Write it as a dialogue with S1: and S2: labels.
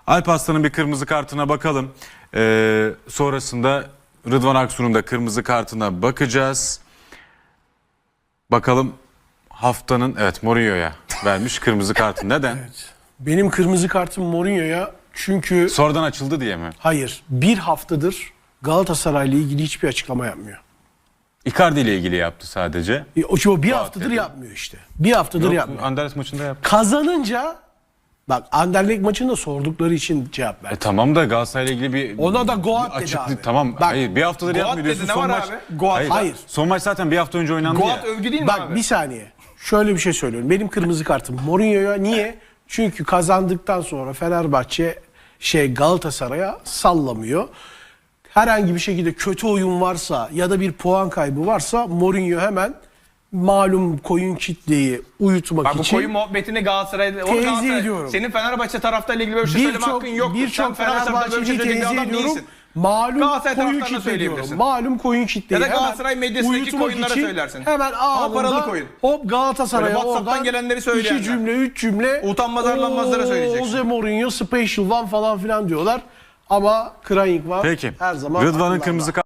S1: Alparslan'ın bir kırmızı kartına bakalım. Sonrasında Rıdvan Aksu'nun da kırmızı kartına bakacağız. Bakalım haftanın Mourinho'ya vermiş kırmızı kartı. Neden?
S2: Evet. Benim kırmızı kartım Mourinho'ya çünkü
S1: Sonradan açıldı diye mi?
S2: hayır, bir haftadır Galatasaray'la ilgili hiçbir açıklama yapmıyor.
S1: Icardi ile ilgili yaptı sadece.
S2: O bir haftadır yapmıyor işte. Bir haftadır yapmıyor.
S1: Anderlecht maçında yaptı.
S2: Kazanınca bak Anderlecht maçında sordukları için cevap ver.
S1: Tamam da Galatasaray'la ilgili bir
S2: Ona da Goat dedi
S1: açıklık.
S2: abi.
S1: Tamam.
S2: Bak,
S1: hayır, bir haftadır
S3: Goat
S1: yapmıyor diyorsun.
S3: dedi, ne
S1: Son
S3: var
S1: maç.
S3: abi? Goat.
S2: Hayır.
S1: Son maç zaten bir hafta önce oynandı
S3: Goat
S1: ya.
S3: övgü değil mi
S2: Bak
S3: abi?
S2: bir saniye. Şöyle bir şey söylüyorum. Benim kırmızı kartım Mourinho'ya. Niye? Çünkü kazandıktan sonra Fenerbahçe Galatasaray'a sallamıyor. Herhangi bir şekilde kötü oyun varsa ya da bir puan kaybı varsa Mourinho hemen malum koyun kitleyi uyutmak
S3: Bak bu
S2: için
S3: koyun muhabbetini Galatasaray'da...
S2: teyze ediyorum.
S3: Senin Fenerbahçe taraftarıyla ilgili böyle bir şey söyleme hakkın yok.
S2: birçok Fenerbahçe'yi teyze ediyorum.
S3: değilsin.
S2: Malum
S3: Galatasaray
S2: koyun
S3: taraftarına
S2: kitle diyorum.
S3: söyleyebilirsin.
S2: Malum koyun kitleyi
S3: Ya da
S2: hemen
S3: Galatasaray medyasındaki
S2: uyutmak
S3: koyunlara
S2: için
S3: söylersin.
S2: Hemen
S3: Ama paralı
S2: anında
S3: koyun.
S2: hop Galatasaray'a
S3: Böyle WhatsApp'tan
S2: oradan
S3: gelenleri söyleyenler.
S2: 2 cümle 3 cümle
S3: Utanmaz arlanmazlara söyleyeceksin.
S2: Jose Mourinho special one falan filan diyorlar. Ama Krajink var.
S1: Peki.
S2: Her zaman
S1: Rıdvan'ın
S2: akıllarda.
S1: kırmızı kartı.